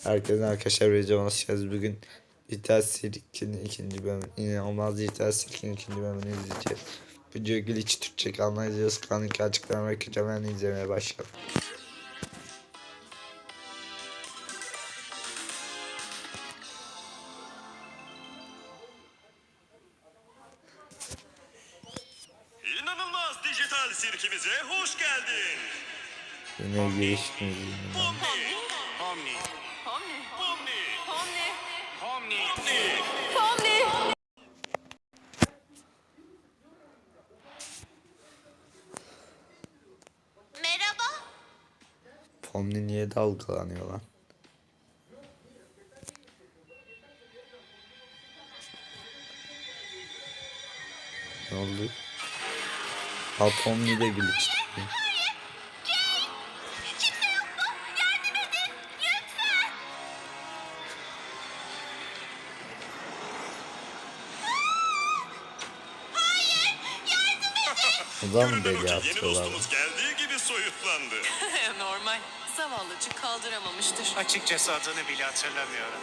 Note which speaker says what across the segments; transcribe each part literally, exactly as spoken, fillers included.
Speaker 1: Herkese arkadaşlar videoya hoş geldiniz. Bugün Dijital Sirk'in ikinci bölümü, inanılmaz Dijital Sirk'in ikinci bölümünü izleyeceğiz. Video glitch Türkçe kanalına izliyoruz. Kanalındaki açıklama ve kötülerini izlemeye başlayalım.
Speaker 2: İnanılmaz Dijital Sirk'imize hoş geldin.
Speaker 1: Yine girişimiz.
Speaker 2: Pomni.
Speaker 3: Pomni.
Speaker 2: Pomni.
Speaker 3: Pomni.
Speaker 2: Pomni.
Speaker 3: Pomni.
Speaker 4: Merhaba.
Speaker 1: Pomni niye dalgalanıyor lan? Ne oldu? Ha, Pomni de glitch.
Speaker 4: Kimse yok mu? Yardım edin. Lütfen. Hayır. Yardım edin.
Speaker 1: O da mı
Speaker 2: Görünen o
Speaker 1: deli
Speaker 2: ki yeni
Speaker 1: atıyorlar?
Speaker 2: dostumuz geldiği gibi soyutlandı.
Speaker 3: Normal. Zavallıcık kaldıramamıştır.
Speaker 5: Açıkçası adını bile hatırlamıyorum.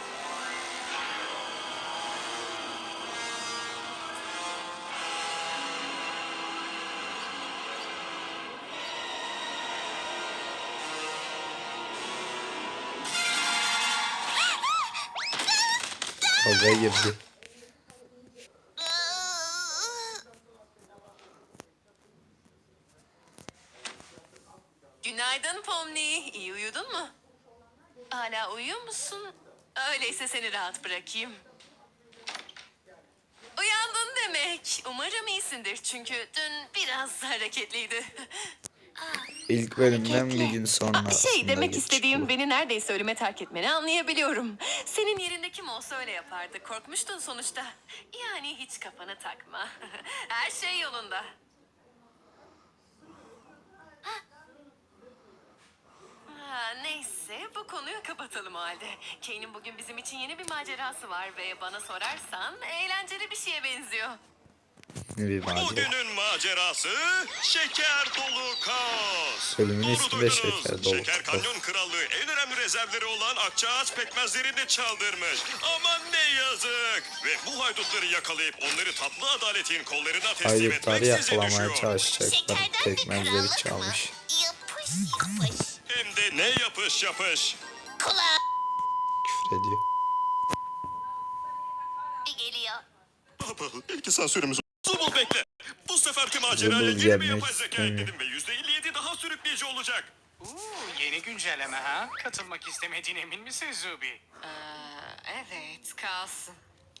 Speaker 1: Kavga girdi.
Speaker 3: Günaydın Pomni. İyi uyudun mu? Hala uyuyor musun? Öyleyse seni rahat bırakayım. Uyandın demek. Umarım iyisindir çünkü dün biraz hareketliydi.
Speaker 1: İlk bölümden bir gün sonra
Speaker 3: Aa, şey
Speaker 1: aslında
Speaker 3: demek
Speaker 1: geçiş
Speaker 3: istediğim
Speaker 1: bu.
Speaker 3: beni neredeyse ölüme terk etmeni anlayabiliyorum. Senin yerinde kim olsa öyle yapardı. Korkmuştun sonuçta. Yani hiç kafana takma. Her şey yolunda. Ha, neyse bu konuyu kapatalım o halde. Kane'in bugün bizim için yeni bir macerası var ve bana sorarsan eğlenceli bir şeye benziyor.
Speaker 1: Ne bir macera.
Speaker 2: Bugünün macerası şeker dolu kaos.
Speaker 1: Bölümün
Speaker 2: Doğru
Speaker 1: ismi de
Speaker 2: duydunuz.
Speaker 1: Şeker Dolu
Speaker 2: Şeker
Speaker 1: Kaos.
Speaker 2: Kanyon Krallığı en önemli rezervleri olan Akçaağaç pekmezlerini çaldırmış. Aman ne yazık. Ve bu haydutları yakalayıp onları tatlı adaletin kollarına teslim
Speaker 1: Haydutları
Speaker 2: etmek size
Speaker 1: yakalamaya
Speaker 2: düşüyor.
Speaker 1: çalışacaklar.
Speaker 4: Şekerden de
Speaker 1: Pekmezleri
Speaker 4: krallık mı?
Speaker 1: çalmış.
Speaker 4: Yapış yapış.
Speaker 2: Hem de ne yapış yapış.
Speaker 4: Kulağa
Speaker 1: Küfür ediyor.
Speaker 4: geliyor.
Speaker 2: Baba, ilk sansürümüz. Zubul bekle. Bu seferki maceraya
Speaker 1: Zubul
Speaker 2: yeni bir
Speaker 1: gelmek
Speaker 2: yapay zeka
Speaker 1: istemiyor.
Speaker 2: ekledim ve yüzde elli yedi daha sürükleyici olacak.
Speaker 5: Uuu, yeni güncelleme ha? Katılmak istemediğine emin misin Zubi?
Speaker 3: Aa, evet kalsın.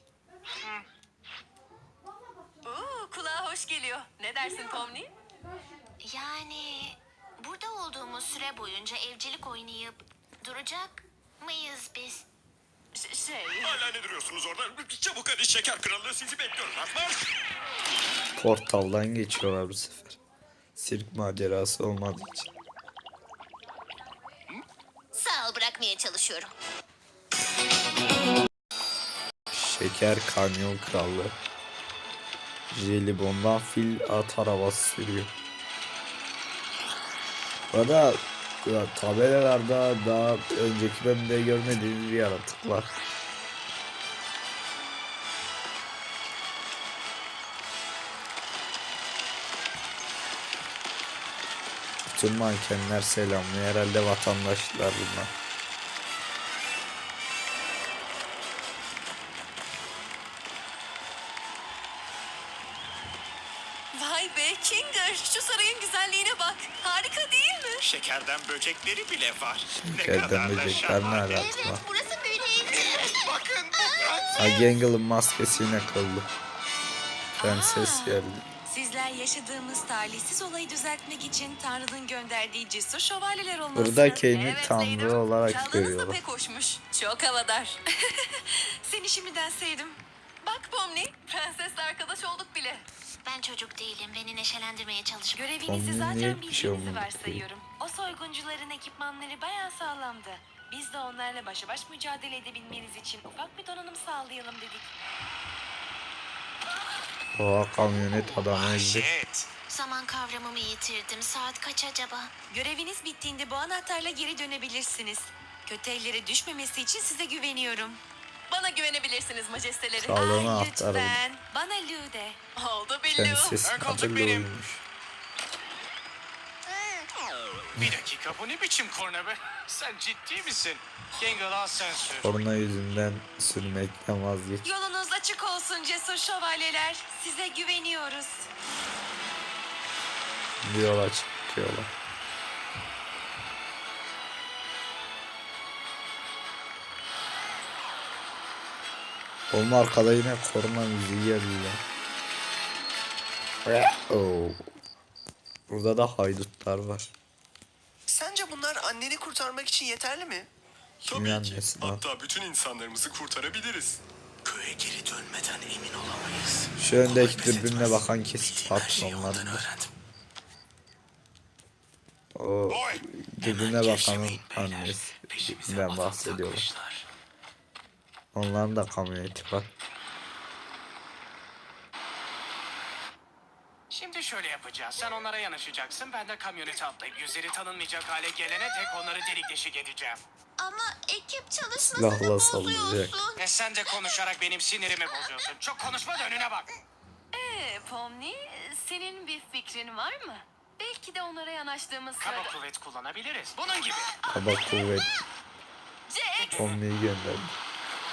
Speaker 3: Oo, kulağa hoş geliyor. Ne dersin Pomni?
Speaker 4: Yani burada olduğumuz süre boyunca evcilik oynayıp duracak mıyız biz?
Speaker 3: Ş- şey...
Speaker 2: Hala ne duruyorsunuz orada? Çabuk hadi şeker krallığı sizi bekliyor. Marş!
Speaker 1: Portaldan geçiyorlar bu sefer. Sirk macerası olmadığı için.
Speaker 4: Sağ ol, bırakmaya çalışıyorum.
Speaker 1: Şeker Kanyon Krallığı. Jelibon'dan fil at arabası sürüyor. Bu arada ya, tabelalarda daha önceki bölümde görmediğimiz bir yaratık var. Bütün mankenler selamlıyor. Herhalde vatandaşlar bunlar.
Speaker 3: Vay be Kinger, şu sarayın güzelliğine bak. Harika değil mi?
Speaker 5: Şekerden böcekleri bile var.
Speaker 1: Şekerden böcekler ne alaka?
Speaker 4: Evet, burası büyüleyici.
Speaker 5: Bakın.
Speaker 1: Ha, Gangle'ın maskesi yine kıldı. Prenses geldi.
Speaker 6: Sizler yaşadığımız talihsiz olayı düzeltmek için Tanrı'nın gönderdiği cesur şövalyeler olmalısınız.
Speaker 1: Burada Kane'i
Speaker 3: Evet
Speaker 1: tanrı
Speaker 3: Leydim.
Speaker 1: olarak
Speaker 3: Çaldığınız da
Speaker 1: görüyorlar.
Speaker 3: pek hoşmuş. Çok havadar.
Speaker 6: Seni şimdiden sevdim.
Speaker 3: Bak Pomni, prensesle arkadaş olduk bile.
Speaker 4: Ben çocuk değilim. Beni neşelendirmeye çalışma.
Speaker 6: Görevinizi
Speaker 1: Onun niye
Speaker 6: zaten
Speaker 1: bir şey
Speaker 6: bildiğinizi
Speaker 1: olmadı?
Speaker 6: varsayıyorum. O soyguncuların ekipmanları bayağı sağlamdı. Biz de onlarla başa baş mücadele edebilmeniz için ufak bir donanım sağlayalım dedik.
Speaker 1: Oha, kamyonet adamı ezdi.
Speaker 5: Shit.
Speaker 4: Zaman kavramımı yitirdim. Saat kaç acaba?
Speaker 6: Göreviniz bittiğinde bu anahtarla geri dönebilirsiniz. Kötü ellere düşmemesi için size güveniyorum.
Speaker 3: Bana güvenebilirsiniz majesteleri.
Speaker 1: Krallığına
Speaker 6: Ay,
Speaker 1: aktaralım.
Speaker 6: lütfen. Bana Lou de.
Speaker 3: Oldu Billu.
Speaker 1: Prenses
Speaker 5: Ön koltuk
Speaker 1: adıyla
Speaker 5: benim.
Speaker 1: olmuş.
Speaker 5: Bir dakika, bu ne biçim korna be? Sen ciddi misin? Gangle al sen sür.
Speaker 1: Korna yüzünden sürmekten vazgeç.
Speaker 6: Yolunuz açık olsun cesur şövalyeler. Size güveniyoruz.
Speaker 1: Bir yola çıkıyorlar. Onun arkada yine korna müziği geliyor. Oh. Burada da haydutlar var.
Speaker 7: Sence bunlar anneni kurtarmak için yeterli mi?
Speaker 1: Kimin annesi lan?
Speaker 2: Hatta bütün insanlarımızı kurtarabiliriz.
Speaker 7: Köye geri dönmeden emin olamayız.
Speaker 1: Şu öndeki dürbünle bakan kesin patronlardır. O dürbüne bakanın annesi. Ben bahsediyorum. Onların da kamyoneti var.
Speaker 5: Şimdi şöyle yapacağız. Sen onlara yanaşacaksın. Ben de kamyonete atlayıp yüzleri tanınmayacak hale gelene tek onları delik deşik edeceğim.
Speaker 4: Ama ekip çalışmasını
Speaker 1: Silahla sallayacak.
Speaker 4: bozuyorsun.
Speaker 5: Ve sen de konuşarak benim sinirimi bozuyorsun. Çok konuşma da önüne bak.
Speaker 3: Ee, Pomni, senin bir fikrin var mı? Belki de onlara yanaştığımız
Speaker 5: Kaba
Speaker 3: sırada...
Speaker 5: kuvvet kullanabiliriz. Bunun gibi.
Speaker 1: Kaba kuvvet
Speaker 3: Jax!
Speaker 1: Omni'yi gönderdi.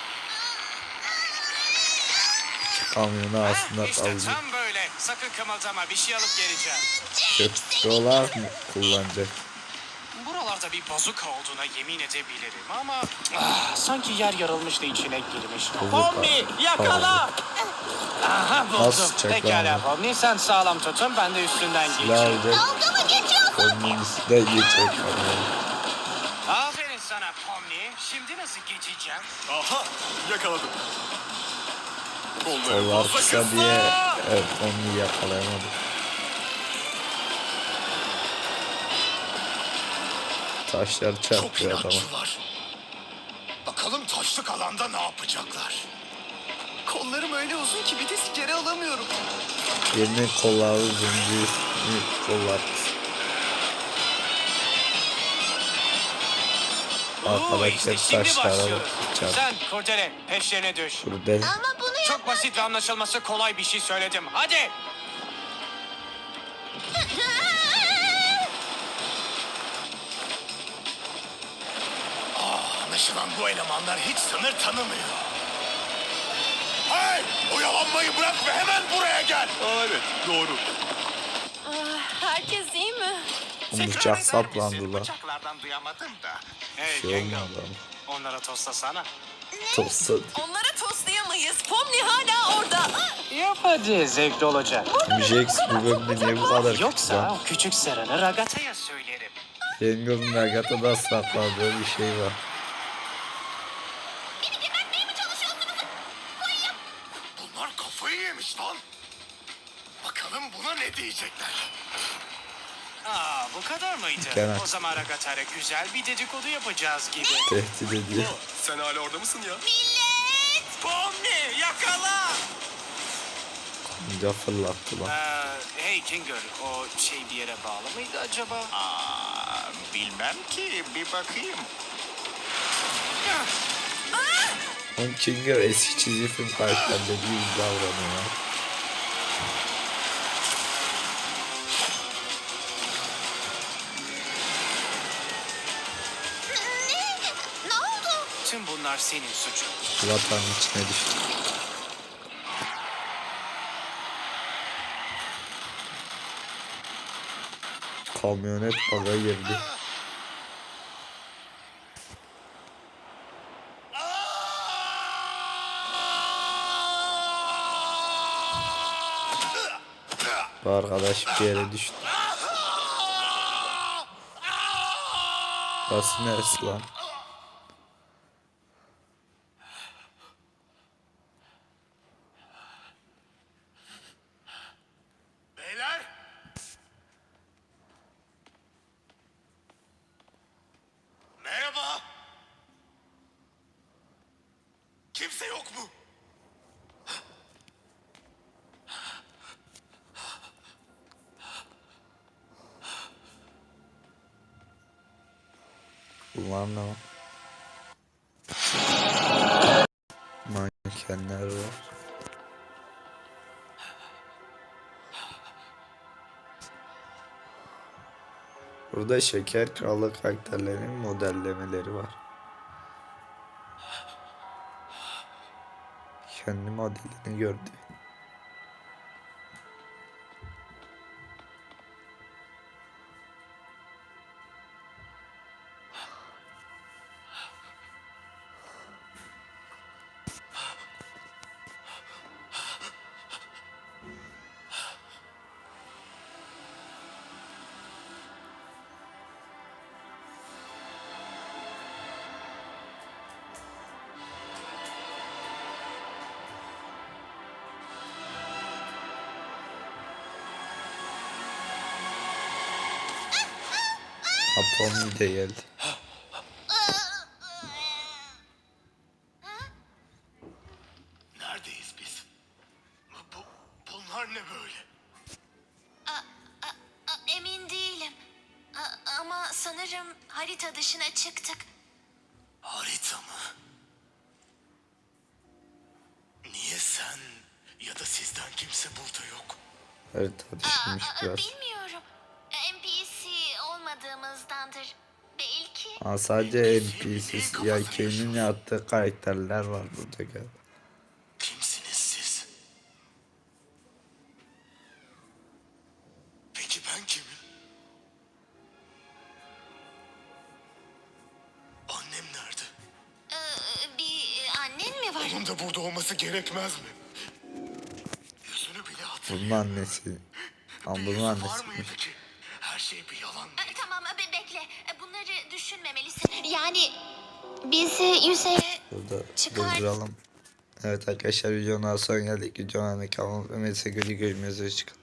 Speaker 1: İki kamyonu aslında
Speaker 5: işte
Speaker 1: kaldı.
Speaker 5: tam böyle. Sakın kımıldama. Bir şey alıp geleceğim.
Speaker 1: Köprüler mı kullanacak?
Speaker 5: Buralarda bir bazuka olduğuna yemin edebilirim ama... Ah, sanki yer yarılmış da içine girmiş. Pomni yakala! Aha buldum.
Speaker 1: Nasıl çek
Speaker 5: Pekala
Speaker 1: lan?
Speaker 5: Pomni sen sağlam tutun ben de üstünden
Speaker 1: Silah
Speaker 5: geçeyim.
Speaker 1: alacak.
Speaker 4: Dalga mı geçiyorsun?
Speaker 1: Omni'nin üstüne geçecek.
Speaker 5: Aferin sana Pomni. Şimdi nasıl geçeceğim?
Speaker 2: Aha, yakaladım. Kolları
Speaker 1: Kollar
Speaker 2: fazla
Speaker 1: kısa
Speaker 2: kısa.
Speaker 1: diye evet Omni'yi yakalayamadı. Taşlar çarpıyor adama.
Speaker 7: Bakalım taşlık alanda ne yapacaklar? Kollarım öyle uzun ki bir de geri alamıyorum.
Speaker 1: Yerine kolları uzun değil. Kollar kısa.
Speaker 5: Oo, işte
Speaker 1: Arkadaşlar
Speaker 5: şimdi
Speaker 1: taşlara
Speaker 5: başlıyoruz.
Speaker 1: çarp.
Speaker 5: Sen Kurdele peşlerine düş.
Speaker 1: Burada
Speaker 4: Ama bunu yap.
Speaker 5: Çok basit ve anlaşılması kolay bir şey söyledim. Hadi.
Speaker 7: Anlaşılan bu elemanlar hiç sınır tanımıyor. Hey! Oyalanmayı bırak ve hemen buraya gel.
Speaker 2: Aa, evet, doğru.
Speaker 3: Ah, herkes iyi mi?
Speaker 1: bıçak saplandı lan.
Speaker 5: Bıçaklardan duyamadım da. Hey
Speaker 1: Şey
Speaker 5: Gangle.
Speaker 1: olmadı ama.
Speaker 5: Onlara tostlasana.
Speaker 1: Tosladı.
Speaker 3: Onlara toslayamayız. Pomni hala orada. Ah!
Speaker 5: Yap hadi zevkli olacak.
Speaker 1: Jax bu bölümde niye bu kadar kötü
Speaker 5: Yoksa
Speaker 1: lan?
Speaker 5: o küçük sarını Ragata'ya söylerim.
Speaker 1: Yengo'nun Agata'da sakladığı bir şey var.
Speaker 4: Beni gebertmeye mi çalışıyorsunuz? Koyayım.
Speaker 7: Bunlar kafayı yemiş lan. Bakalım buna ne diyecekler.
Speaker 5: Aa bu kadar mıydı?
Speaker 1: Evet.
Speaker 5: O zaman Ragata'ya güzel bir dedikodu yapacağız gibi.
Speaker 1: Tehdit ediyor.
Speaker 2: Sen hala orada mısın ya?
Speaker 4: Millet.
Speaker 5: Pomni yakala!
Speaker 1: Kanca fırlattı lan.
Speaker 5: Ee, hey Kinger, o şey bir yere bağlı mıydı acaba?
Speaker 7: Aa, bilmem ki bir bakayım.
Speaker 1: On Kinger eski çizgi film karakterleri gibi davranıyor.
Speaker 4: Ne? Ne oldu?
Speaker 5: Tüm bunlar senin suçun.
Speaker 1: Vatanın içine düştü. Kamyonet baga girdi. Bu arkadaş bir yere düştü. Burası neresi lan?
Speaker 7: Beyler. Merhaba. Kimse yok mu?
Speaker 1: Bunlar ne lan? Burada Şeker Kralı karakterlerinin modellemeleri var. Kendi modelini gördü. Apom de geldi.
Speaker 7: Neredeyiz biz? Bu, bunlar ne böyle?
Speaker 4: Emin değilim. A- ama sanırım harita dışına çıktık.
Speaker 7: Harita mı? Niye sen ya da sizden kimse burada yok?
Speaker 1: Harita düşmüş
Speaker 4: Aa,
Speaker 1: biraz.
Speaker 4: bilmiyorum. N P C olmadığımızdandır. Belki.
Speaker 1: Aa, sadece N P C ya Kane'in yaptığı karakterler var burada galiba.
Speaker 7: Kimsiniz siz? Peki ben kimim? Annem nerede?
Speaker 4: Ee, bir annen mi var?
Speaker 7: Onun da burada olması gerekmez mi? Yüzünü bile hatırlıyorum.
Speaker 1: Bunun annesi. Ama
Speaker 7: Bir
Speaker 1: bunun
Speaker 7: yüzü var
Speaker 1: annesi.
Speaker 7: mıydı ki? Her şey bir yalan mı?
Speaker 4: Ee, tamam be- bekle. Ee, Bunları düşünmemelisin. Yani bizi yüzeye
Speaker 1: Burada
Speaker 4: Çıkar.
Speaker 1: durduralım. Evet arkadaşlar videonun daha sonra geldik. Videonun kanalıma ve mesaj görüşmek üzere.